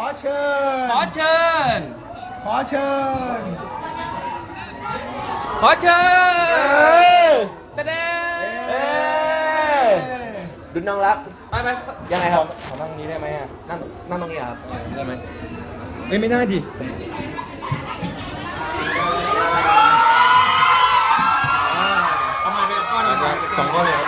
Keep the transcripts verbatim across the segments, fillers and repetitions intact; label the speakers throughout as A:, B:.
A: เชิญ
B: ขอเชิญ
A: ขอเชิญ
B: ขอเชิญตะเด้
C: ดุนน้องรัก
B: ไปไป
C: ยังไงครับ
D: ขอนั่งนี้ได้ไหมอ่ะ
C: นั่งนั่งตรงนี้ครับ
D: ได้ไหมเอ้ยไม่ได้ดิ
B: เอามาเป็นก้อนเลย
D: สองก้อนเลยครับ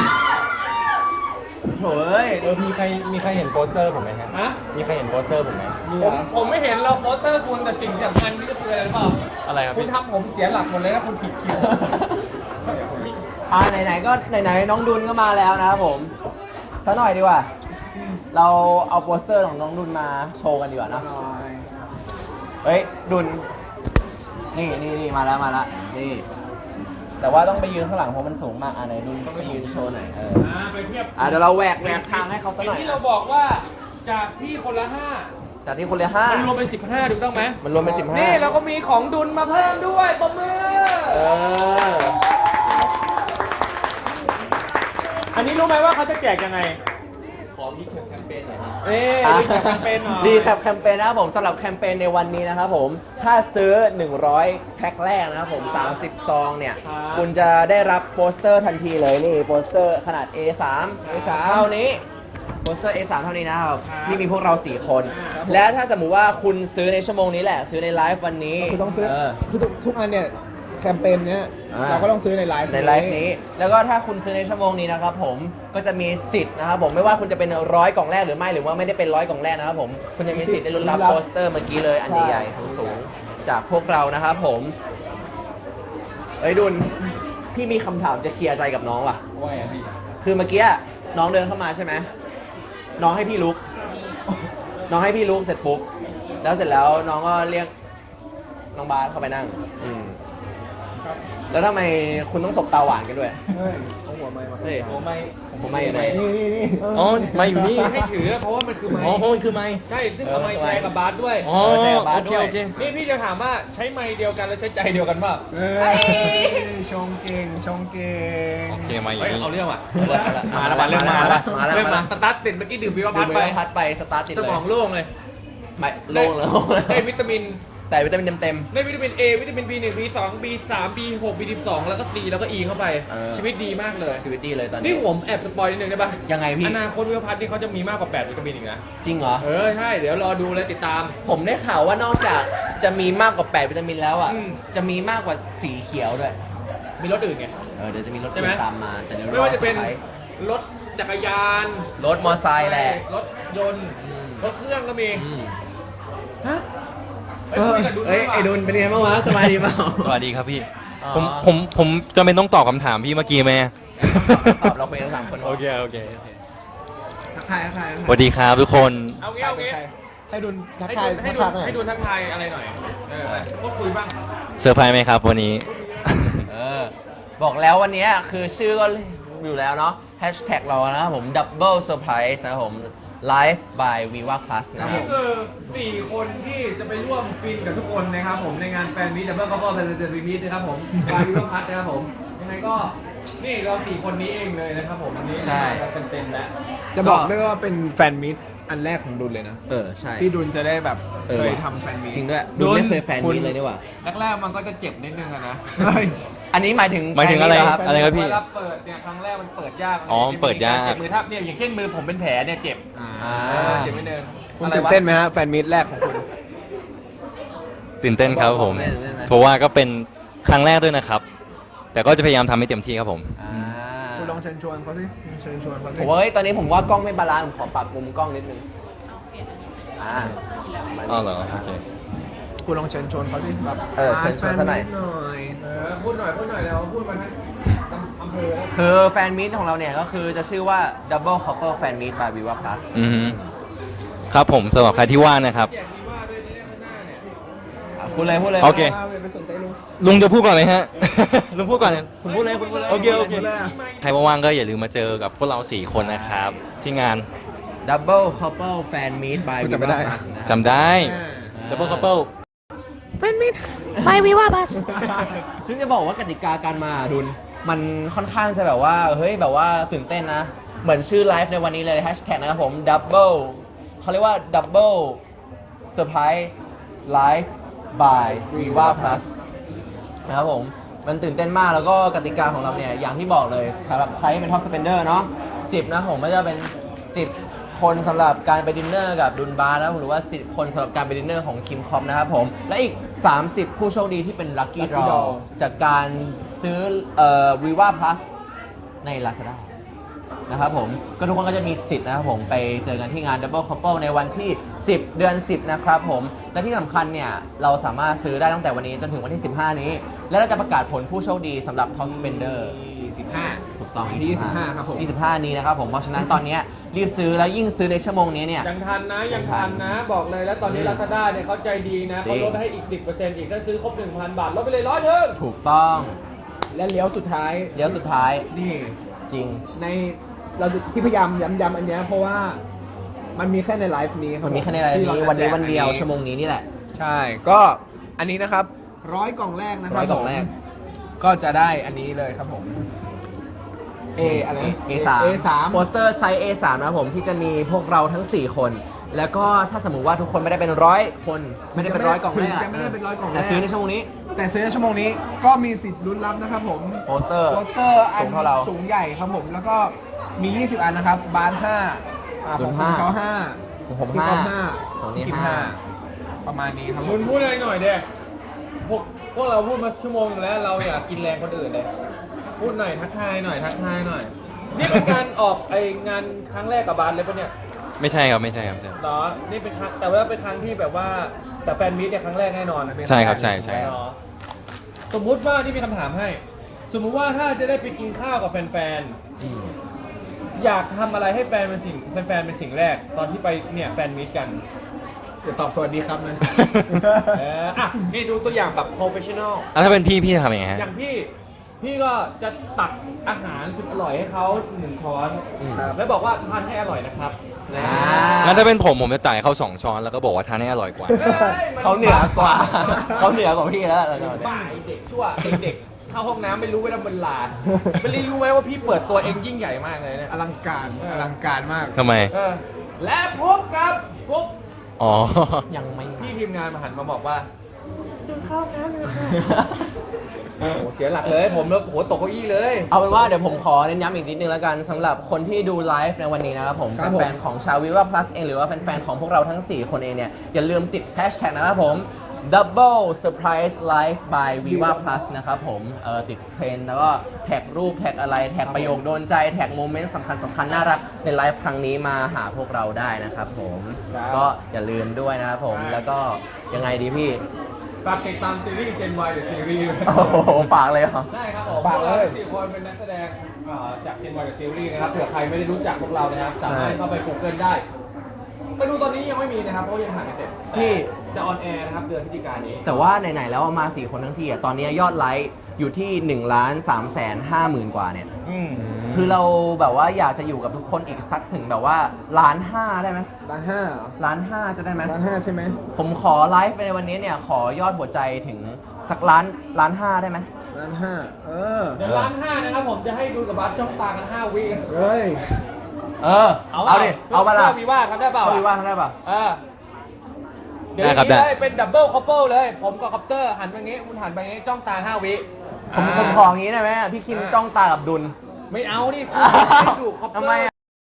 C: โถ่ย
D: เออมีใครมีใครเห็นโปสเตอร์ผมไหมฮะ
B: ฮะ
D: มีใครเห็นโปสเตอร์ผมไหม
B: ผมผมไม่เห็นเราโปสเตอร์คุณแต่สิ่งที่สำคัญที่จะเตือนอะไรหรือเปล่า
D: อะไรครับ
B: คุณ
D: พี่
B: ทำผมเสียหลักหมดเลยนะคุณผิดคิว
C: อ่าไหนๆก็ไหนๆน้องดุนก็มาแล้วนะครับผมสักหน่อยดีกว่า เราเอาโปสเตอร์ของน้องดุนมาโชว์กันดีกว่านะเฮ้ยดุนนี่นี่นี่มาแล้วมาแล้วนี่ แต่ว่าต้องไปยืนข้างหลังเพราะมันสูงมากอ่ะไหนดุนต้องไปยืนโชว์หน่อยเออ
B: อ่าไปเทียบ
C: อ่ะเดี๋ยวเราแหวกแหวกทางให้เขาสักหน่อย
B: ที่เราบอกว่าจากที่คนละห้า
C: จากที่คนละห้า
B: มันรวมเป็นสิบห้าถูกต้องไหม
C: มันรวมเป็นสิบห้า
B: นี่เราก็มีของดุลมาเพิ่มด้วยปมมือ
C: เออ
B: อันนี้รู้ไหมว่าเขาจะแจกยังไง
D: ขอพี่แคมเปญหน่อยครับ
B: เอ๊ะรีแคปแคมเปญหน่อย
C: รีแคปแคมเปญนะครับผมสำหรับแคมเปญในวันนี้นะครับผมถ้าซื้อหนึ่งร้อยแพ็คแรกนะครับผมสามสิบซองเนี่ยคุณจะได้รับโปสเตอร์ทันทีเลยนี่โปสเตอร์ขนาด เอ สาม เอ สาม เท่านี้โปสเตอร์ เอ สาม เท่านี้นะครับที่มีพวกเราสี่คน และถ้าสมมุติว่าคุณซื้อในชั่วโมงนี้แหละ ซื้อในไลฟ์วันนี้
A: คือต้องซื้อ
C: เ
A: คือทุกทุกอันเนี่ยแคมเปญเนี้ย
C: อ่า
A: เราก็ต้องซื้อในไลฟ์
C: ในไลฟ์นี้ แล้วก็ถ้าคุณซื้อในชั่วโมงนี้นะครับผมก็จะมีสิทธิ์นะครับผมไม่ว่าคุณจะเป็นร้อยกล่องแรกหรือไม่หรือว่าไม่ได้เป็นร้อยกล่องแรกนะครับผมคุณจะมีสิทธิ์ได้ลุ้นรับโปสเตอร์เมื่อกี้เลยอันใหญ่ๆสูงๆจากพวกเรานะครับผมเอ้ยดุลพี่มีคำถามจะเคลียร์ใจกับน้องว่ะ
D: ว่าไงพี่
C: คือเมื่อกี้น้องเดินเข้ามาใช่ไหมน้องให้พี่ลุก น้องให้พี่ลุกเสร็จปุ๊บแล้วเสร็จแล้วน้องก็เรียกน้องบาสเข้าไปนั่งอืมแล้วทำไมคุณต้องสบตาหวานกันด้วย
A: เฮ้ยเอาหัวไม้มา
C: เฮ้ย
D: โอ้ไม่
C: ผมไม่อยู่ไหน
A: นี่นี่นี่
D: อ๋อไม่อยู่นี่
B: ให้ถือเพราะว่ามันคือไม้
D: อ๋อมันคือไม่
B: ใช่ ซึ่งเอาไม้แชร์กับบาสด้วย
D: อ๋อ
C: ใช่กับบาส
D: โอเค
C: ด้วย
D: โอเค
B: นี่พี่จะถามว่าใช้ไม้เดียวกันแล้วใช้ใจเดียวกันเปล่า
A: เฮ้ยชงเก่งชงเก่ง
D: โอเคมาอยู่
B: เฮ้ย
D: นี่
B: เอาเรื่องว่ะ
C: มา
B: มา
C: แล้
B: แล้ว วมาเรื่องมาแล้ว
C: มาแล้ว
B: เรื่อง
C: มาแล้ว
B: มาสตาร์ทติดเมื่อกี้ดื่มวิว
C: ดื่
B: พั
C: ม
B: ด
C: ไป
B: ไป
C: พัดไปสตาร์ทติด
B: ส
C: เลย
B: มองโล่งเลย
C: ไม่โล่งแล้ว
B: ได้วิตามิน
C: แต่วิตามินเต็ม
B: ได้วิตามิน A วิตามิน บี หนึ่ง บี สอง บี สาม บี หก บี สิบสอง แล้วก็ C แล้วก็ E เข้าไป
C: เออ
B: ชีวิตดีมากเลย
C: ๆชีวิตดีเลยตอน
B: นี่
C: นี้
B: ผมแอบสปอยนิดนึงได้ปะ
C: ยังไงพี่
B: อนาคตวิวพัฒน์นี่เขาจะมีมากกว่า แปด วิตามินอีกนะ
C: จริงเหรอ
B: เออ ใช่ เดี๋ยวรอดูเลยติดตาม
C: ผมได้ข่าวว่านอกจากจะมีมากกว่าแปดวิตามินแล้วอ่ะ
B: อืม
C: จะมีมากกว่าสีเขียวด้วย
B: มีรถอื่นไง
C: เออเดี๋ยวจะมีรถ
B: ใช่ไหม
C: อื่นตามมา แต่เดี๋ยวรอ
B: ไม่ว่าจะเป็น
C: ซอร์ไพรส์
B: รถจักรยาน
C: รถมอไซค์แหละ
B: รถยนต์
C: อืม
B: รถเครื่องก็มี
C: อืม
B: ฮะ
C: เออเอ้ยไอ้ดุลเป็นไงบ้างวะสบายดีเปล่า
D: สวัสดีครับพี่
C: อ๋อ
D: ผมผมผมจำเป็นต้องตอบคำถามพี่เมื่อกี้ไหม
C: ตอบเราคุยกันสามคน
D: โอเคโอเค
A: ทักทายทักทายทัก
D: ส
A: ทาย
D: วัสดีครับทุกคน
B: เอางี้เอางี้
A: ให้ดุนทัก
B: ให้
A: ทาย
B: ดูให้
A: ทัก
B: ดู
A: ทายไปหน่อย
B: ให้ดูทักทายอะไรหน่อย เออพูดคุยบ้าง
D: เซอร์ไพรส์ไหมครับวันนี้
C: เออบอกแล้ววันนี้คือชื่อก็อยู่แล้วเนาะแฮชแท็กเรานะครับผม Double Surprise นะครับผม Live by Viva Plus นะค
B: นี่
C: รับ
B: คือ สี่ คนที่จะไปร่วมฟินกับทุกคนนะครับผมในงานแฟนมิตรดับเบิลคัพเปิลเป็นเดือนวีมิตนะครับผมวายุพัฒน์นะครับผมยังไงก็นี่เราสี่คนนี้เองเลยนะครับผมวันนี้
C: ใช่
B: เต็มๆแล้ว
A: จะบอกด้วยว่าเป็นแฟนมิตรอันแรกของดุลเลยนะ
C: เออ ใช่
A: ที่ดุลจะได้แบบ
C: เออ
A: เคย
C: ว่ะ
A: ทำแฟนมิตร
C: จริงด้วยดุลไม่เคยแฟน
A: คุณ
C: นี้เลยนี่หว่า
B: แรกๆมันก็จะเจ็บนิดนึงอะนะ
A: เฮ้ย
C: อันนี้หมายถึง
D: หมายถึงอะไร
C: แฟนนี้เห
D: อะไรครับพี่
B: เวลาเปิดเนี่ยครั้งแรกมันเปิดยาก
D: อ๋อเปิดยาก
B: เจ็บมือถ้าเนี่ยอย่างเช่นมือผมเป็นแผลเนี่ยเจ็บ
A: อ่า
C: อ่า
B: เออเจ็บนิดนึง
A: คุณ
B: อะไร
A: ตื่น
B: วะ
A: เต้นไหมฮะแฟนมิตรแรกของคุณ
D: ตื่นเต้นครับผม
C: ตื่นเต้นไหม
D: เพราะว่าก็เป็นครั้งแรกด้วยนะครับ แต่ก็จะพยายามทำให้เต็มที่ครับผม
C: อ่า
A: คุณลองเชิญชวนเขาสิเชิญชวนเขาสิ
C: ผมว่าเฮ้ยตอนนี้ผมว่ากล้องไม่บาลานซ์ผมขอปรับมุมกล้องนิดนึงอ่า
D: อ๋อเหรอโอเค
A: คุณลองเชิญชวนเขาสิแบบ
C: เออเชิญชวนซะหน่อย
A: แฟมิตรหน่อย
B: เออพูดหน่อยพูดหน่อยเราพูดมาทั้งอำเภอแล้ว
C: คือแฟนมิตของเราเนี่ยก็คือจะชื่อว่า Double Couple Fan Meet by Viva Plus
D: อือฮึครับผมสำหรับใครที่ว่างนะครับ
B: แจกมีว่าด้วยเนี่ยข้างหน้าเนี่ย
C: อ่ะพูดเลยพูดเลย
D: โอเค
A: ไปสนใจลุง
D: ลุงจะพูดก่อนเลยฮะ ลุงพูดก่อนเลย
C: คุณพูดเลยคุณพูดเลย
D: โอเคโอเค ใครว่างๆก็อย่าลืมมาเจอกับพวกเราสี่คนนะครับ ที่งาน
C: Double Couple Fan Meet by
A: คุณจำไม่
C: Viva
A: ได้
C: Plus นะครับ
D: จำได้
A: อ่า
D: Double Couple
C: ไม่วิว่าบัส ซึ่งจะบอกว่ากติกาการมาดุลมันค่อนข้างจะแบบว่า เฮ้ย แบบว่าตื่นเต้นนะ เหมือนชื่อไลฟ์ในวันนี้เลยแฮชแท็กนะครับผม Double เขาเรียกว่า Double Surprise Live by Viva Plus นะครับผม มันตื่นเต้นมากแล้วก็กติกาของเราเนี่ย อย่างที่บอกเลยสำหรับใครที่เป็น Top Spender เนาะสิบนะผมก็จะเป็น สิบ คนสำหรับการไปดินเนอร์กับดุนบาร์นะหรือว่า สิบ คนสำหรับการไปดินเนอร์ของคิมคอมนะครับผม และอีก สามสิบ ผู้โชคดีที่เป็น Lucky
A: Lucky
C: Draw
A: Draw
C: จากการซื้อเอ่อ Viva Plus ใน Lazada นะครับผมก็ทุกคนก็จะมีสิทธิ์นะครับผมไปเจอกันที่งาน Double Couple ในวันที่ สิบ เดือน สิบ นะครับผมและที่สำคัญเนี่ยเราสามารถซื้อได้ตั้งแต่วันนี้จนถึงวันที่ สิบห้า นี้ และเราจะประกาศผลผู้โชคดีสำหรับ Top Spender
A: ยี่สิบห้า
C: ถูกต้อง
A: ที่ยี่สิบห้าครับผม
C: ยี่สิบห้านี้นะครับผมเพราะฉะนั้นตอนนี้รีบซื้อแล้วยิ่งซื้อในชั่วโมงนี้เนี่ย
B: ยังทันนะยังทันนะบอกเลยแล้วตอนนี้
C: อืม
B: Lazada เนี่ยเขาใจดีนะ
C: จริ
B: เขา
C: ง
B: ลดให้อีก สิบเปอร์เซ็นต์ อีกถ้าซื้อครบ หนึ่งพัน บาทลดไปเลยร้อยหนึ่ง
C: ถูกต้อง
A: และเลี้ยวสุดท้าย
C: เดี๋ยวสุดท้าย
A: นี่
C: จริง
A: ในเราที่พยายามย้ำๆอันเนี้ยเพราะว่ามันมีแค่ในไลฟ์นี้รับ
C: มันมีแค่ในราย
A: ที่
C: นี้
A: รา
C: วันนี้
A: จะแจก
C: วันเดียว
A: อั
C: ชั่วโมงนี้นี่แหละ
A: ใช่ ก็อันนี้นะครับร้อยกล่องแรกนะครั
C: ร้อบ ยกล่องแรก
A: ผมก็จะได้อันนี้เลยครับผม A อะไรนะ
C: เอ สาม
A: เอสาม
C: โปสเตอร์ไซส์ เอ สาม นะครับผมที่จะมีพวกเราทั้ง สี่ คน แล้วก็ถ้าสมมุติว่าทุกคนไม่ได้เป็นร้อยคน ไม่ได้เป็นร้อยกล่อง
A: ถึ
C: แรง ก
A: จะไม่ได้เป็นร้อยกล่องแร
C: แต่
A: ก
C: ซื้อในชั่วโมงนี้
A: แต่ซื้อในชั่วโมงนี้ก็มีสิทธิ์ลุ้นรับนะครับผม
C: โปสเตอร์
A: โปสเตอร์อั
C: สู
A: น
C: งเท่าเรา
A: สูงใหญ่ครับผม แล้วก็มี ยี่สิบ อันนะครับ บาร์ห้าอ่า
C: ดุ
A: ของ
C: ล
A: คุณ
C: ห้า
A: เขาห้า
C: ของผม
A: พี่
C: ห้า
A: ก๊อฟห้า
C: ของนี่
A: คิม
C: ห้า
A: ประมาณนี้ครับผ
B: คุ
A: ม
B: ณพูดอะไรหน่อยเด็กพวกพวกเราพูดมาชั่วโมงนึงแล้วเราอยากกินแรงคนอื่นเลยพูดหน่อยทักทายหน่อยทักทายหน่อย นี่เป็นการออกไองานครั้งแรกกับบาสเลยปะเนี่ย
D: ไม่ใช่ครับไม่ใช่ครับไม่ใช่
B: เหรอนี่เป็นครั้งแต่ว่าเป็นครั้งที่แบบว่าแต่แฟนมิตเนี่ยครั้งแรกแน่นอน
D: ใช่ครับใช่ใช่
B: เหรอสมมุติว่านี่มีคำถามให้ สมมุติว่าถ้าจะได้ไปกินข้าวกับแฟนๆอยากทำอะไรให้แฟนเป็นสิ่งแฟนๆเป็นสิ่งแรก ตอนที่ไปเนี่ยแฟนมิตกัน
A: เดี๋ยวตอบสวัสดีครับนะ
B: เอออ่ะนี่ดูตัวอย่างแบบ professional
D: อ่ะถ้าเป็นพี่พี่จะทำยังไงฮะ
B: อย่างพี่ พี่ก็จะตักอาหารสุดอร่อยให้เขาหนึ่งช้อน
C: อืม
B: แล้วบอกว่าทานให้อร่อยนะครับ
C: อ่า
D: งั้นถ้าเป็นผมผมจะจ่ายเขาสองช้อนแล้วก็บอกว่าทานให้อร่อยกว่า
C: เขาเหนือกว่า เขาเหนือกว่าพี่แล้วเราจะ
B: บ้าไอ้เด็กชั่วเด็กๆเข้าห้องน้ำไม่รู้เวลาบนลานไม่ได้รู้ไหมว่าพี่เปิดตัวเองยิ่งใหญ่มากเลยเนี่ย
A: อลังการ อลังการมาก
D: ทำไม
B: เออและพบกับพบ
D: อ๋อ
C: ยังไม่
B: พี่ทีมงานมาหันมาบอกว่าดูเข้าห้องน้ำเลยค่ะโอ้โหเสียหลักเลยผมแล้วหัวตกเก้าอี้เลย
C: เอาเป็นว่าเดี๋ยวผมขอเน้นย้ำอีกนิดนึงแล้วกันสำหรับคนที่ดูไลฟ์ในวันนี้นะครับผม
A: ครับผม
C: แฟนๆของชาววิวา plus เองหรือว่าแฟนๆของพวกเราทั้ง สี่ คนเองเนี่ย อย่าลืมติดแฮชแท็กนะครับผม double surprise live by viva plus นะครับผมเออติดเทรนด์แล้วก็แท็กรูปแท็กอะไร แท็กประโยคโดนใจ แท็กโมเมนต์สำคัญสำคัญน่ารักในไลฟ์ครั้งนี้มาหาพวกเราได้นะครับผม
B: ครับ
C: ก็อย่าลืมด้วยนะครับผม
B: ครับ
C: แล้วก็ยังไงดีพี่
B: ฝากติดตามซีรีส์ Gen Y The Series
C: โอ้โหฝากเลยเหรอ
B: ได้ครับผม
A: ฝากเลย
B: พวรสี่คนเป็นนักแสดงเอ่อจาก Gen Y The Series นะครับเผื่อใครไม่ได้รู้จักพวกเรานะครับ สามารถเข้าไป Google ได้ ไปดูตอนนี้ยังไม่มีนะครับ เพราะยังถ่ายไม่เสร็จ
C: พี่
B: แต่จะออนแอร์นะครับ เดือนพฤศจิกายนนี้
C: แต่ว่าไหน ๆ แล้วมา สี่ คนทั้งทีอ่ะ ตอนนี้ยอดไลค์อยู่ที่หนึ่งล้านสามแสนห้าหมื่นกว่าเนี่ย
B: อืม
C: คือเราแบบว่าอยากจะอยู่กับทุกคนอีกสักถึงแบบว่าล้านห้าได้ไหม
A: ร้านห้าเหรอ
C: ล้านห้าจะได้ไหม
A: ร้านห้าใช่ไหม
C: ผมขอไลฟ์ไปในวันนี้เนี่ย ขอยอดหัวใจถึงสักล้านล้านห้าได้ไหม
A: ร้านห้าเออ
B: เดี๋ยวร้านห้านะครับผมจะให้ดูกับบัสจ้องตากันห้าวิ
A: เฮ้ย
C: เออ เอาดิ เอาปะล่ะ
B: วีว่าทำได้เปล่า
C: เอาดีว่าทำได้ปะ
B: เออเดี๋ยว
D: ได้ครับ
B: นี้
D: ได้
B: เลยเป็นดับเบิลคัพเปิลเลย ผมกับคัพเตอร์หันไปงี้คุณหันไปงี้จ้องตาห้าวิ
C: ผมผมขออย่างนี้ได้ไหมพี่คิมจ้องตากับดุล
B: ไม่เอานี่คุณให้ดูคัพเตอร์
C: ทำไมอะ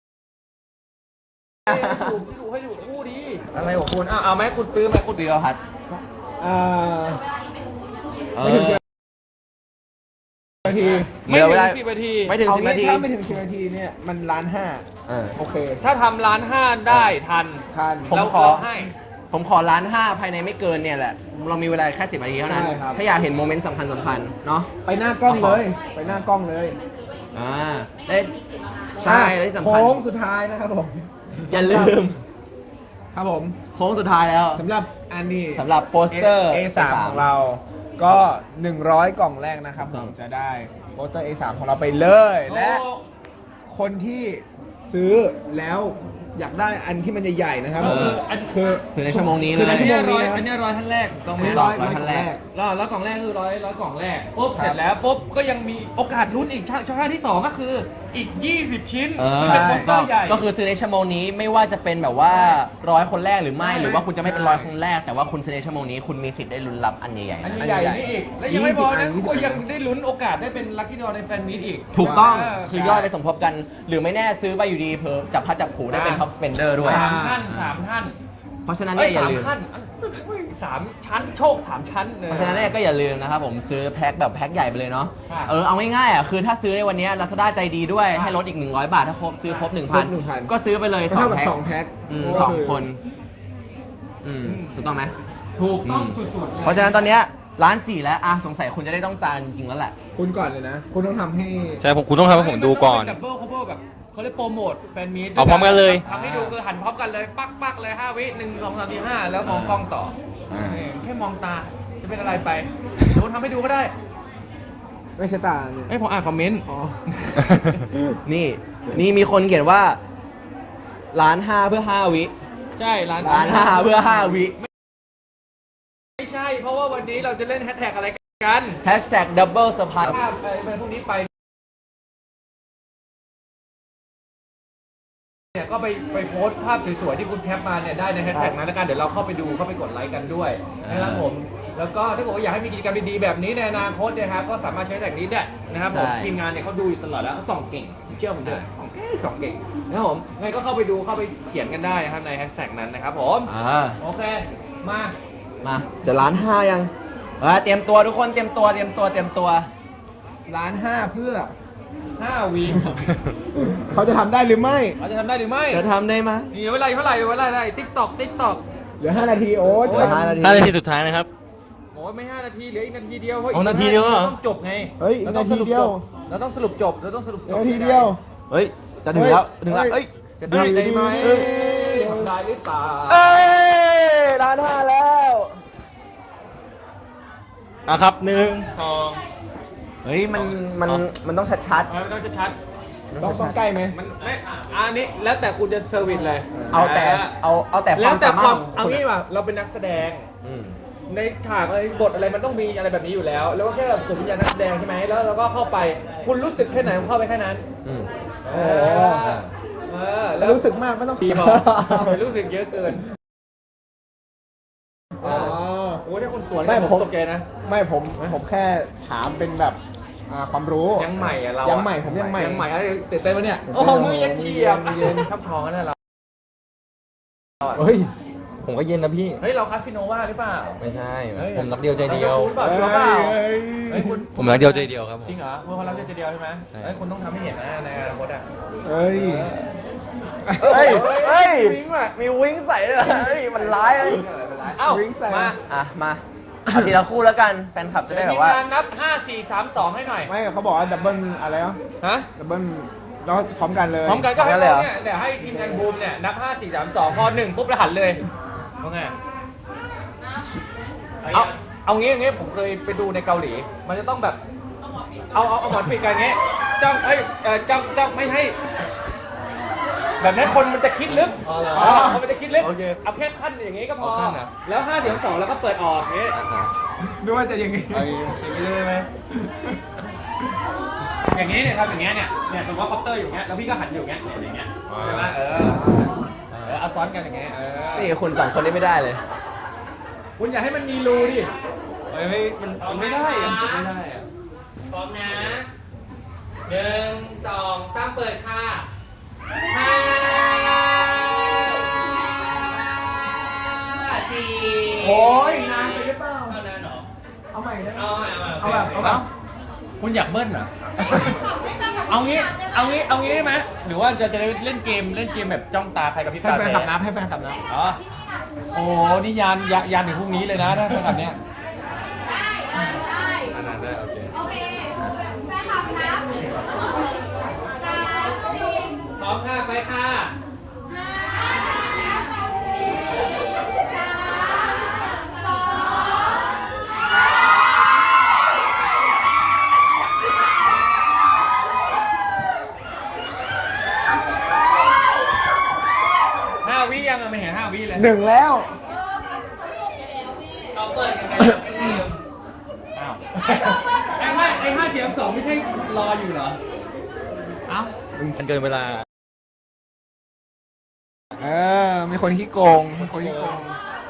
B: ให้ดูที่ดูให้ดูคู่ดีอะไรของคุณเอาเอาไหมคุณตื้อไหมคุณ
C: ปีกพัด
A: อ่า
C: เอ
A: ไม่ถึง
C: อ
A: สิบนาที
B: ไม่
C: เหลือ
B: ถึ
C: เวลา
B: งสิบนาที
C: ไม่ถึง
A: เอา
C: สิบ
A: งี้
C: นาที
A: ถ้าไม่ถึงสิบนาทีเนี่ยมันร้านห้า
C: เออ
A: โอเค
B: ถ้าทำร้านห้าได้ทัน
A: ทัน
C: ผม
B: เรา
C: ขอ
B: เราให้
C: ผมขอล้านห้าภายในไม่เกินเนี่ยแหละ เรามีเวลาแค่สิบนาทีเท่านั้น
A: ใช่ครับ
C: ถ้าอยากเห็นโมเมนต์สำคัญสำคัญเนาะ
A: ไปหน้ากล้องเลย ไปหน้ากล้องเลย
C: อ่าได้ใช่และที่สำคัญ
A: โค้งสุดท้ายนะครับผม
C: อย่าลืม
A: ครับผม
C: โค้งสุดท้ายแล้ว
A: สำหรับอันนี้
C: สำหรับโปสเตอร์
A: เอสามของเรา ก็ หนึ่งร้อย กล่องแรกนะครับ
C: ค
A: ผ
C: รับ
A: มจะได้โปสเตอร์ เอ สาม ของเราไปเลย และคนที่ซื้อแล้วอยากได้อันที่มันใหญ่ๆนะครับ
C: เออ
A: อันคือ
C: ซื้อในชั่วโมงนี้
A: ซื้อ
C: เล
A: ใน
C: ย
A: ชั่วโมงนี้
B: อันนี้ร้อยท่านแรกต้องไหม
C: ถูกต้อง ร้อยท่านแรก
B: แล้วแล้วกล่องแรกคือร้อยร้อยกล่องแรกปุ๊บเสร็จแล้วปุ๊บก็ยังมีโอกาสลุ้นอีกช่องช่องทางที่สองก็คืออีก ยี่สิบ ชิ้น
C: เออ
B: ที่เป็นโปสเตอร์ใหญ่
C: ก็คือซื้อในชั่วโมงนี้ไม่ว่าจะเป็นแบบว่าร้อยคนแรกหรือไม่ หรือว่าคุณจะไม่เป็นร้อยคนแรก แต่ว่าคุณซื้อในชั่วโมงนี้คุณมีสิทธิ์ได้ลุ้นรับอันใหญ่ๆ
B: อัน
C: นะ
B: ใหญ่ๆนี่อีก และยังไม่พอนะ
A: ยี่สิบ
B: ก็ยังได้ลุ้นโอกาสได้เป็นลัคกี้ดอในแฟนมีตอีก
C: ถูกต้อง
B: เ
C: คือยอดได้สมทบกัน หรือไม่แน่ซื้อไปอยู่ดีเพิ่มจับพัดจับผูได้เป็นท็อปสเปนเดอร์ด้วย
B: สามท่านสามท่าน
C: เพราะฉะนั้น
B: เอ้
C: เนี่ย ยอย่า
B: สาม
C: ลืม
B: ขั้นสามชั้นโชคสามชั้นเลย
C: เพราะฉะนั้นเนี่ยก็อย่าลืมนะครับผมซื้อแพ็คแบบแพ็คใหญ่ไปเลยเนาะ
B: ค่ะ
C: เออเอาง่ายๆอ่ะคือถ้าซื้อในวันเนี้ลาซาด้าใจดีด้วยให้ลดอีกหนึ่งร้อยบาทถ้าครบซื้อครบหนึ่งพัน
A: หนึ่งพัน
C: ก็ซื้อไปเลยสอ
A: เท่าง กับ
C: แพ็ค
A: สองแพ็ค
C: อืม
A: ก็
C: สอง
A: คือ
C: คน อืมถูกต้องไหม
B: ถูกต้อง
C: อืม
B: สุดๆเลย
C: เพราะฉะนั้นตอนเนี้ยร้านสี่แล้วอ่ะสงสัยคุณจะได้ต้องตามจริงๆแล้วแหละ
A: คุณก่อนเลยนะ คุณต้องทำให้
D: ใช่ผมคุณต้องทำให้ผมดูก่อน
B: ดับเบิลคัพเปิลแบบเขาเรียกโปรโมทแฟนมีต
D: เอาพร้อมกันเลย
B: ทำให้ดูคือหันพร้อมกันเลยปักปักเลยห้าวิหนึ่งสองสามสี่ห้าแล้วมองกล้องต่อ
C: อ่า
B: เออแค่มองตาจะเป็นอะไรไปเดี๋ยวผมทำให้ดูก็ได้
A: ไม่ใช่ตาเนี่ย
B: ไอ้ยผมอ่านคอมเมนต์
A: อ๋อ
C: นี่นี่มีคนเขียนว่าร้านห้าเพื่อห้าวิ
B: ใช่ร้าน
C: ร้านห้าเพื่อห้าวิ
B: ไม่ใช่ เพราะว่าวันนี้เราจะเล่นแฮชแท็กอะไรกัน
C: แฮชแท็กดับเบิลสปาย
B: ภาพไปเป็นพวกนี้ไปเนี่ยก็ไปไปโพสต์ภาพสวยๆที่คุณแคปมาเนี่ยได้ในแฮชแท็กนั้นแล้วกันเดี๋ยวเราเข้าไปดูเข้าไปกดไลค์กันด้วยนะครับผมแล้วก็ถ้าเกิดว่าอยากให้มีกิจกรรมดีๆแบบนี้ในอนาคตเนะครับก็สามารถใช้แท็กนี้ได้นะครับผมทีมงานเนี่ยเขาดูอยู่ตลอดแล้วเขาส่องเก่งเชื่อผมเถอะส่องเก่งส่องเก่งนะครับผมไงก็เข้าไปดูเข้าไปเขียนกันได้นะครับในแฮชแท็กนั้นนะครับผม
C: อ่า
B: โอเคมา
C: มาจะร้านห้ายังเออเตรียมตัวทุกคนเตรียมตัวเตรียมตัวเตรียมตัว
A: ร้านห้าเพื่อ
B: ห้าวี
A: เขาจะทำได้หรือไม่
B: เราจะทำได้หรือไม่
C: จะทำได้ไหม
B: นี่เวลาเท่าไหร่เวลาเท่าไหร่ติ๊กตอกติ๊กตอก
A: เหลือห้านาทีโอ๊ต
C: เหลือห้านาที
D: ห้านาทีสุดท้ายนะครับ
B: โอ้ยไม่ห้านาทีเหลืออีกนาทีเดียวเพราะ
D: อ๋อนาทีเดียวเหรอ
B: ต้องจบไง
A: เฮ้ยอีกนาทีเดียว
B: เราต้องสรุปจบเราต้องสรุปจบ
A: นาทีเดียว
C: เฮ้ยจะถึงแล้วจะถึงแล้วเอ้ย
B: จะได้ได้ไหม
A: เอ้ย
B: ทำได้หรือเปล่า
C: เอ้ยร้านห้าแล้ว
D: อ่ะครับหนึ่งสอง
C: เฮ้ยมันมันมันต้องชัด
B: เอาไม่ต้องชัด
C: ๆ
A: ต้องต้องใกล้ไหม
B: ๆมันไม่อ่ะอันนี้แล้วแต่คุณจะเซอร์วิสเลย
C: เอาแต่เอาเอาแต่ค
B: แล้ว
C: าว ม
B: แต่
C: สา
B: ค
C: มารถ
B: วาม
C: ของ
B: เอา
C: คุณ
B: งี้
C: อะ
B: ป่ะเราเป็นนักแสดง
C: อืม
B: ในฉากอะไรบทอะไรมันต้องมีอะไรแบบนี้อยู่แล้ว แล้วก็แค่แบบสวมวิญญาณนักแสดงใช่ไหมแล้วเราก็เข้าไป คุณรู้สึกแค่ไหนคุณเข้าไปแค่นั้น
C: อืม
B: เอ
A: โอ้
B: อเออ
A: แล้วรู้สึกมากไม่ต้อง
B: ดีพอไม่รู้สึกเยอะเกิน
A: อ๋อ
B: โอ้ยถ้าคุณสวน
A: ไม่
B: ผม
A: ผม
B: ตกใจนะ
A: ไม่ผมผมแค่ถามเป็นแบบอ่าความรู้
B: ยังใหม่อะเราอะ
A: ยังใหม่ผมยังใหม่
B: ยังใหม่อะไรตื่นเต้นปะเนี่ย
A: ตื่นเต้น
B: โอ้โหมือเย็นเฉียบ
A: มือเย็น
B: ทับท้องกันนะเรา
A: เฮ้ย
D: ผมก็เย็นนะพี่
B: เฮ้ยเราคาสิโนว่าหรือเปล่า
D: ไม่ใช่
B: เฮ้ย
D: ผมรักเดียวใจเดียว
B: ราจะรู้หรือเปล่าชัวร์เปล่า
A: เฮ้ย
B: เฮ้ยคุณ
D: ผมรักเดียวใจเดียวครับผม
B: จริงเหรอเมื่อวันรับเดียวใจเดียวใช่ไหม
D: ใช่
B: เฮ้ยคุณต้องทำให้เห็นนะในอนาคตอ่ะ
A: เฮ้ย
C: เฮ้ยเฮ้ย
B: วิ่งว่ะ
C: มีวิ่งใส่ด้วยเฮ้ยมันร้ายเลย
B: เอ้า
A: วิ่งใส่
B: มา
C: อ่ะมาเอาทีละคู่แล้วกันแฟนคลับจะได้แบบว่า
B: ทีมงานนับห้า สี่ สาม สองให้หน่อย
A: ไม่เขาบอกว่าดับเบิลอะไรอ่ะ
B: ฮะ
A: ดับเบิลแล้วพร้อมกันเลย
B: พร้อมกันก็ให้
C: พร้อมกันเลยเหร
B: เรา
C: อ
B: เนี่ยเดี๋ยวให้ทีมงานบูมเนี่ยนับห้า สี่ สาม สองพอหนึ่งปุ๊บแล้วหันเลยว่าไงเอาเอางี้อย่างงี้ผมเคยไปดูในเกาหลี มันจะต้องแบบ เอาเอาเอาหมอนปิดกันอย่างงี้จ้องเอ้ยเอ่อจ้องจ้องไม่ให้ แบบนั้นคนมันจะคิดลึก
D: อ๋อเหรอ
B: อ๋อคนมันจะคิดลึก
C: โอเค
B: เอาแค่ขั้นอย่างงี้ก็พอ
D: เอาขั้นเหรอ
B: แล้วห้าเสียงสองแล้วก็เปิดออกอย่างงี้
A: นึกว่าจะอย่างงี้
D: เอาอย่างนี้ได้ไหม
B: อย่างงี้เนี่ยทำอย่างเงี้ยเนี่ยเนี่ยสมมติว่าคอปเตอร์อยู่อย่างเงี้ยแล้วพี่ก็หันอยู่อย่างเงี้ยเนี่ยอย่างเงี้ยใช่ไหมเออเออเอาซ้อนกันอย่างเงี้ยเออ
C: นี่คุณสองคนนี้ไม่ได้เลย
B: คุณอย่าให้มันมีรูดิ
D: ไม่ไม่มันมันไม่ได้อะมันไม่ได้อะ
B: พร้อมนะหนึ่งสองสามเปิดค่ะห้าสี่
A: โอ้ยนานไปหรือเปล่า
B: เท่านั้นเหรอ
A: เอาใหม่ได้ไหม
B: เอาใหม่
A: เอาแบบเอาแบบ
B: คุณอยากเบิ้ลเหรอ เอางี้ เอางี้ เอางี้ได้ไหมหรือว่าจะจะเล่นเกมเล่นเกมแบบจ้องตาใครกับพี่
A: ให้
B: ตา
A: แฟน
B: แพ้
A: ขับนับให้แฟนขับนับ
B: อ๋อโอ้โหนี่ยานยานยานถึงพรุ่งนี้เลยนะถ้าแบบเนี้ย
E: ได้ได้
D: อันนั้นได้โอเค
E: โอเคแฟนคลับครับสามสี่
B: พร้อมค่ะไปค่ะ
E: ห้าสามสอง
B: ห้าวิยังอะไม่เห็นห้าวิเลย
A: หนึ่งแล้ว
B: เราเปิดยังไงอ้าวไอ้ไม่ไอ้ห้าเสียงสองไม่ใช่รออยู่เหรอ เอ้า
D: เกินเวลา
A: เออ มีคนขี้โกง มีคนขี้โกง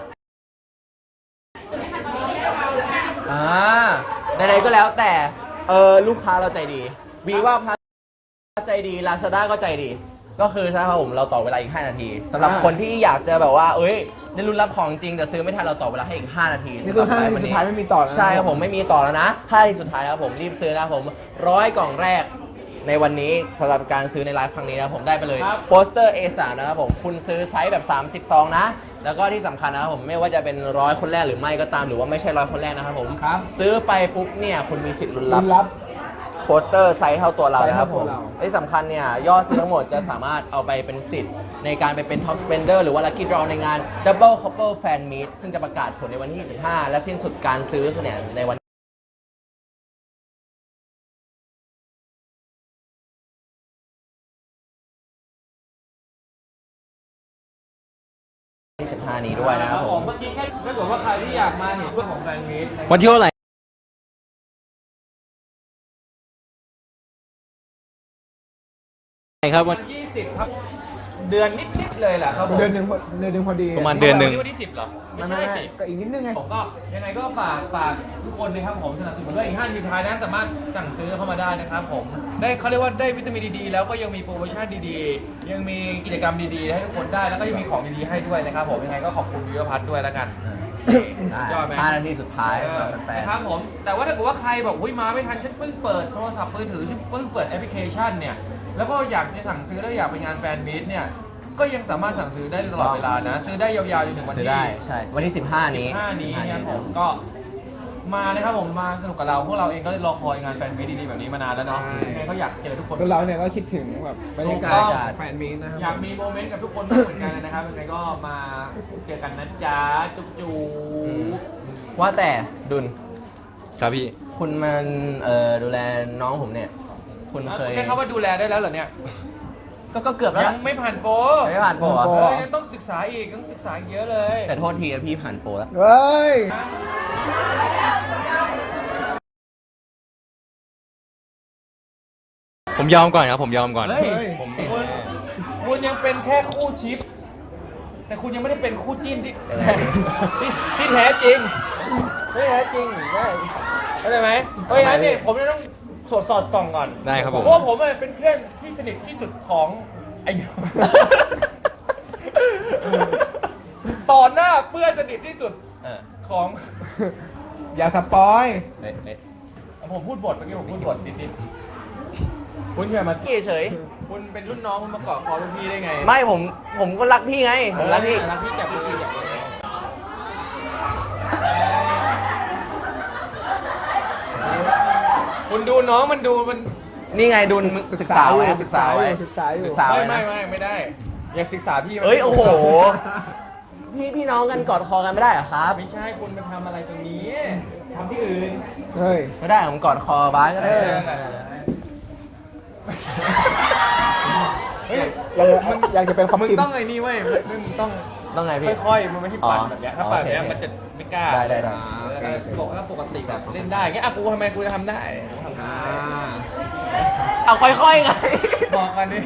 C: อ่าใดๆก็แล้วแต่เออลูกค้าเราใจดีวีว่าพาใจดี Lazada ก็ใจดี ก็คือใช่ครับผมเราต่อเวลาอีกห้านาทีสำหรับ
A: อ่า
C: คนที่อยากจะแบบว่าเอ้ยได้ลุ้นรับของจริงแต่ซื้อไม่ทันเราต่อเวลาให้อีกห้านาที
A: นี่คือ
C: สำหรับ
A: ห้านาที
C: วัน
A: สุด
C: นี้
A: ท้ายไม่มีต่อแล้วนะ
C: ใช่ครับผมไม่มีต่อแล้วนะห้านาทีสุดท้ายนะครับผมรีบซื้อนะครับผมร้อยกล่องแรกในวันนี้สำหรับการซื้อในไลฟ์ครั้งนี้นะครับผมได้ไปเลย
B: ครับ
C: โปสเตอร์ เอ สาม นะครับผมคุณซื้อไซส์แบบสามสิบซองนะแล้วก็ที่สำคัญนะครับผมไม่ว่าจะเป็นร้อยคนแรกหรือไม่ก็ตามหรือว่าไม่ใช่ร้อยคนแรกนะครับผม
A: ครับ
C: ซื้อไปปุ๊บเนี่ยคุณมีสิทธิ์ลุ้น
A: รั
C: รั
A: บบ รับ
C: โปสเตอร์ไซส์เท่าตัวเรานะครับผม
A: ไซส์เท่าตัวเรา
C: ที่สำคัญเนี่ยยอดซื้อทั้งหมดจะสามารถเอาไปเป็นสิทธิ์ในการไปเป็น Top Spender หรือว่า Lucky Draw ในงาน Double Couple Fan Meet ซึ่งจะประกาศผลในวันที่ยี่สิบห้าและสิ้นสุดการซื้อเนี่ยในวันที่สิบห้านี้ด้วยนะครับผม
B: เมื่อกี้แค่ถ้าเกิดว่าใครที่อยากมาเห็นเรื่องของแฟนมีต
D: วันที่เท่าไหร่ครับวัน
B: วันยี่สิบครับ เดือนนิดๆเลยแหละครับผม
A: เดือนหนึ่งพอเดือนหนึ่งพอดี
D: ประมาณเดือนหนึ่ง
B: วัวันที่สิบเหรอ ไม่
A: ไม่
B: ใช่
A: ไม่ไม่
B: สิ
A: ก็อีกนิดนึงไง
B: ผมก็ยังไงก็ฝากฝากทุกคนนะครับผมสนับสนุนด้วยอีกห้าทีมท้ายนะสามารถสั่งซื้อเข้ามาได้นะครับผมได้เขาเรียกว่าได้วิตามินดีๆแล้วก็ยังมีโปรโมชั่นดีๆ ยังมีกิจกรรมดีๆให้ทุกคนได้แล้วก็ยังมีของดีๆให้ด้วยนะครับผมยังไงก็ขอบคุณวิวพัฒน์ด้วยแล้วกันยอดไหม
C: ห้านาทีสุดท้าย
B: เอ
C: สำห
B: อ
C: รับแฟน
B: นะครับผมแต่ว่าถ้าเกิดว่าใครบอกอุ้ยมาไม่ทันฉันเพิ่งเปิดโทรศัพท์มือถือฉันเพิ่งเปิดแอปพลิเคชันเนี่ยแล้วก็อยากจะสั่งซื้อแล้วอยากไปงานแฟนมีตเนี่ยก็ยังสามารถสั่งซื้อได้ตลอดเวลานะ ซื้อได้ยาวๆจนถึงวัน
C: ซื้อ
B: ที่
C: ได้ใช่วันที่สิบห้านี้
B: สิบห้านี้นะครับผมก็มานะครับผมมาสนุกกับเราพวกเราเองก็รอคอยงานแฟนมีตดีๆแบบนี้มานานแล้วเนาะ
A: ใช่
B: ยังไงก็อยากเจอทุกคน
A: คือเราเนี่ยก็คิดถึงแบบบรรยากา
B: ถู
A: ศ
B: กต้อง
A: แฟนมีตนะครับ
B: อยากมีโมเมนต์กับทุกคนบ้างเหมือนกันนะครับยังไงก็มาเจอกันนะจ๊ะจุ๊บจู
C: ว่าแต่ดุล
D: ครับพี่
C: คุณมันเอ่อดูแลน้องผมเนี่ย คุณเคย
B: ใช้คำว่าดูแลได้แล้วเหรอเนี่ย
C: ก็ก็เกือบแล้ว
B: ยั
C: ล่ะ
B: งไม่ผ่านโปร
C: ไม่ผ่านโปรเหรอ
A: โปร
B: เฮ้ยยังต้องศึกษาอีกต้องศึกษาอีกเยอะเลย
C: แต่โทษทีนะพี่ผ่านโปรแล้ว
A: เฮ้ย
D: ผมยอมก่อนครับผมยอมก่อน
B: เฮ้ย
A: เฮ้ย
D: ผม
B: คุณคุณยังเป็นแค่คู่ชิป แต่คุณยังไม่ได้เป็นคู่จิ้นที่ ที่ที่แท้จริงที่แท้จริงได้เข้าใจไหมเพราะงั้นเนี่ยผมจะต้องสอดสอดส่องก่อน
D: ได้ครับผม
B: เพราะว่าผมอะเป็นเพื่อนที่สนิทที่สุดของไอ้ ต่อหน้าเพื่อนสนิทที่สุด
C: เออ
B: ของ
A: อย่าสปอย
C: เอ๊ะเอ๊ะ
B: ผมพูดบทเมื่อกี้ผมพูดบทนิดๆคุณเคยมา
C: พี่เฉย
B: คุณเป็นรุ่นน้องคุณมาเกาะคอรุ่นพี่ได้ไง
C: ไม่ผมผมก็รักพี่ไง ผมรักพี่
B: รักพี่จับพี่จับพี่คุณดูน้องมันดูมัน
C: นี่ไงดุลศึกษาไว้
A: ศึ
C: ศึ
A: ก
C: ก
A: ษา
C: ษา
A: อยู่
C: ไว้
A: ศึกษาอยู่
C: ศึกษา
B: ไม่
C: ไว้
B: ไม่
C: นะ
B: ไม่ไม่ได้ อยากศึกษาพี่มัน
C: เอ้ยโอ้โห พี่พี่น้องกันกอดคอกันไม่ได้เหรอครับ
B: ไม่ใช่คุณมาทำอะไรตรงนี้ทำที่อื่น
A: เฮ้ย
C: ไม่ได้ผมกอดคอบ้าสก็ได้
A: เออ
B: เฮ้ย
A: อยากจะอยากจะเป็นคอม
B: มึง
A: พิม
B: ต้องไอ้นี่เว้ยมึงมึงต้อง
C: ต้องไงพี่
B: ค่อยๆ มันไม่ใช่ปั่น
C: อ๋อ
B: แบบเนี้ยถ้าปั่นแบบเนี้ย
C: โอเค
B: มันจะไม่กล้า
C: ได้ได้ได้
B: บอกว่าปกติแบบเล่นได้เงี้ยอ่ะกูทำไมกูจะทำได้กูทำได้
A: อ่า
C: เอาค่อยๆไง
B: บอกกันดิ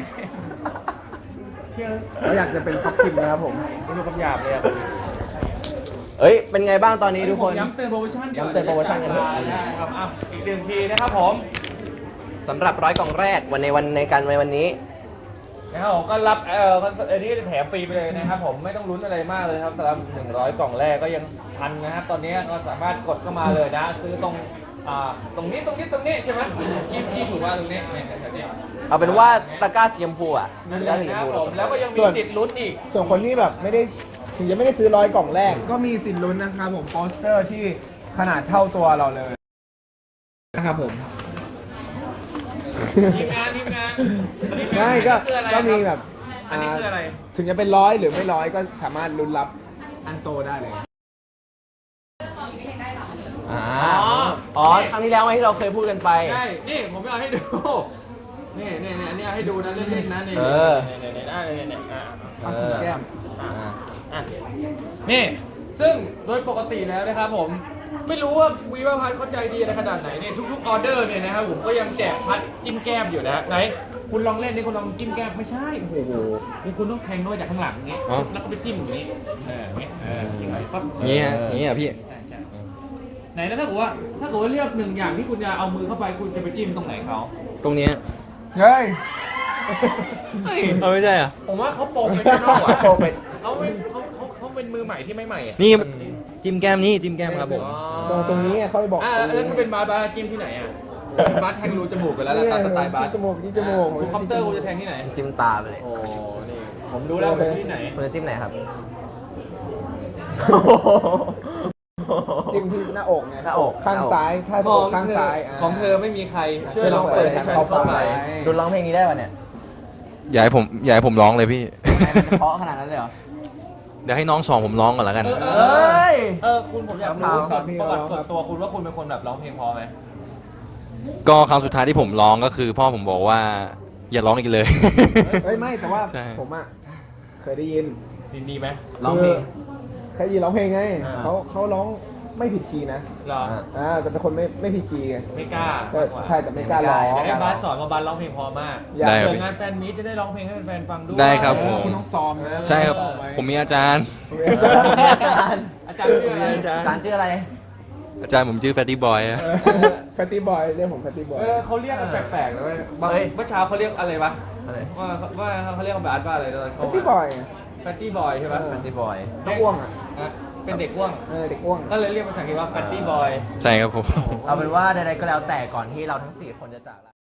A: เราอยากจะเป็นคอมพิมนะครับผม
B: ไม่รู้คำหยาบเลยอ่ะ
C: เอ้ย เป็นไงบ้างตอนนี้ทุกคน
B: ย้ำเตือนโปรโมชั่นดีกว่า
C: ย้ำเตือนโปรโมชั่นกันเถอะ
B: ได้ครับอ่ะอีกหนึ่งทีนะครับผม
C: สำหรับร้อยกล่องแรกวันในวันในการในวันนี้
B: นะครับผมก็รับเอ่ออันนี้แถมฟรีไปเลยนะครับผมไม่ต้องลุ้นอะไรมากเลยครับสำหรับหนึ่งร้อยกล่องแรกก็ยังทันนะครับตอนนี้ก็สามารถกดเข้ามาเลยนะ ซื้อตรงอ่าตรงนี้ตรงนี้ตรงนี้ใช่ไหมที่ที่ถูกว่าตรงนี้เนี่ยแถวนี้
C: เอาเป็นว่าตะกร้าสีชมพูอ่ะ
B: นั่น
C: ตะ
B: แห
C: กร้า
B: ละ
C: สีช
B: ค
C: ม
B: รับ
C: พู
B: ผมแล้วก็ยังมีสิทธิ์ลุ้นอีก
A: ส่วนคนที่แบบไม่ได้ถึงจะไม่ได้ซื้อร้อยกล่องแรก ก็มีสิทธิ์ลุ้นนะครับผมโปสเตอร์ที่ขนาดเท่าตัวเราเลยนะครับผม
B: ทีมงานทีมงานทีงาน
A: ไม่ก็
B: คืออะไร
A: ก็มี
B: ค
A: แบ
B: รับบ อันนี้คืออะไร
A: ถึงจะเป็นร้อยหรือไม่ร้อยก็สามารถลุ้นรับอันโตได้เลย
C: อ่าอ๋อครั้งที่แล้วไงที่เราเคยพูดกันไป
B: ใช่นี่ผมจะเอาให้ดูนี่นี่นี่อันนี้เอาให้ดูนะเล่นๆนะนี่
C: เออ
B: นี่นี่นี่นี่นี่อ่ะ
A: เอาสีแก้ม
B: อ่ะ
C: อ่า
B: อ่ะนี่ซึ่งโดยปกติแล้วนะครับผมไม่รู้ว่าวีว่าพัดเข้าใจดีอะไรขนาดไหนเนี่ยทุกๆออเดอร์เนี่ยนะครับผมก็ยังแจกพัดจิ้มแก้มอยู่นะฮะไหนคุณลองเล่นนี่คุณลองจิ้มแก้มไม่ใช่โอ้โหนี่คุณต้องแทงด้วยจากข้างหลังอย่างเงี้ย
D: อ๋อ
B: แล้วก็ไปจิ้มอย่างงี้เอออย่างเงี้ยเอออย่างเงี้ยปั๊บ
D: เงี้ยเงี้ยพี่
B: ใช่ใช่ไหนนะถ้าเกิดว่าถ้าเกิดว่าเลือกหนึ่งอย่างที่คุณจะเอามือเข้าไปคุณจะไปจิ้มตรงไหนเขา
D: ตรงเนี้ย
A: เฮ้ย
D: เอาไม่ใช่เหรอ
B: ผมว่าเขาโปรเป็นข้างนอกอ่ะ
C: โปรเป็น
B: เขาเป็นเขาเขาเขาเป็นมือใหม่ที่ไม่ใหม่อ่ะ
D: นี่จิ้มแก้มนี่จิ้มแก้มครับผม
A: ตรงตรงนี้ไงเขาไปบอก
B: อ่า
A: ตรง
B: แล้ว
A: นี้
B: ถ้าเป็นบาร์บาร์จิ้มที่ไหนอ่ะบาร์แทงรูจมูกกันแล้วล่ะตามสไตล์บาร์
A: ที่จมูกที่จมูก
B: คุณคอปเตอร์คุณจะแทงที่ไหน
C: จิ้มตาไปเลย
B: โอ้นี่ผมรู้แล้วเป็นที่ไหน
C: คุณจะจิ้มไหนครับ
A: จิ้มที่หน้าอกไง
C: หน้าอก
A: ข้างซ้ายถ้า
B: ข
A: อ
B: อก ง
A: ข้าง
B: เธอ
A: ซ้าย
B: ของเธอไม่มีใครช่วยลองเปิดฉันเข้าไป
C: ดูร้องเพลงนี้ได้ป่ะเนี่ย
D: อย่าให้ผมอย่าให้ผมร้องเลยพี่
C: ทำไมมันเพราะขนาดนั้นเลยเหรอ
D: เดี๋ยวให้น้องสองผมร้องก่อนแล้วกัน
B: เออ
C: เอ้ย
B: เออคุณผมอยากรู้ส่วนประวัติส่วนตัวคุณว่าคุณเป็นคนแบบร้องเพลงพอไหม
D: ก็ครั้งสุดท้ายที่ผมร้องก็คือ พ่อผมบอกว่า อย่าร้องอีกเลย
A: เฮ้ยไม่แต่ว่า
D: ใช่
A: ผมอ่ะเคยได้ยิน
B: ดีดีไหม
C: ร้องเพลง
A: เคยได้ยินร้องเพลงไง
B: อ่า
A: เขาเขาร้องไม่ผิดคีย์นะ
B: เหรอ
A: อ่าแต่เป็นคนไม่ไม่ผิดคีย์ไง
B: ไม่กล้า
A: ก็ใช่แต่ไม่กล้าร้อง
B: อยากให้บาสสอนว่าบาสร้องเพลงพอมาก
A: อยาก
D: ได้ครับ
B: เกิดงานแฟนมีตจะได้ร้องเพลงให้แฟนๆฟังด้วย
D: ได้ครับผม
A: คุณต้องซ้อมนะ
D: ใช่ครับ ผมมีอาจารย์
A: อาจารย์
B: อาจารย์ชื่ออะไร
A: อาจารย์
C: อาจารย์ชื่ออะไร
D: อาจารย์ผมชื่อแฟตตี้บอยอะ
A: แฟตตี้บอยเรียกผมแฟตตี้บอย
B: เออเขาเรียกกันแปลกๆนะเว้ยบาง
C: เฮ้ย
B: เมื่อเช้าเขาเรียกอะไรวะ
C: อะไร
B: ว่าว่าเขาเรียกว่าบาสว่าอะไรตอน
A: แฟ
B: เขา
A: ตตี้บอย
B: แฟตตี้บอยใช่ปะ
A: เออ
C: แฟนตี้บอย
A: น้องอ้วงอ่ะ
B: ฮะเป็นเด็กอ้วง
A: เออเด็กอ้วง
B: ก็เลยเรียกภาษาอังกฤษว่าแฟตตี้บอย
D: ใช่ครับผม
C: เอาเป็นว่าใดๆก็แล้วแต่ก่อนที่เราทั้งสี่คนจะจากลา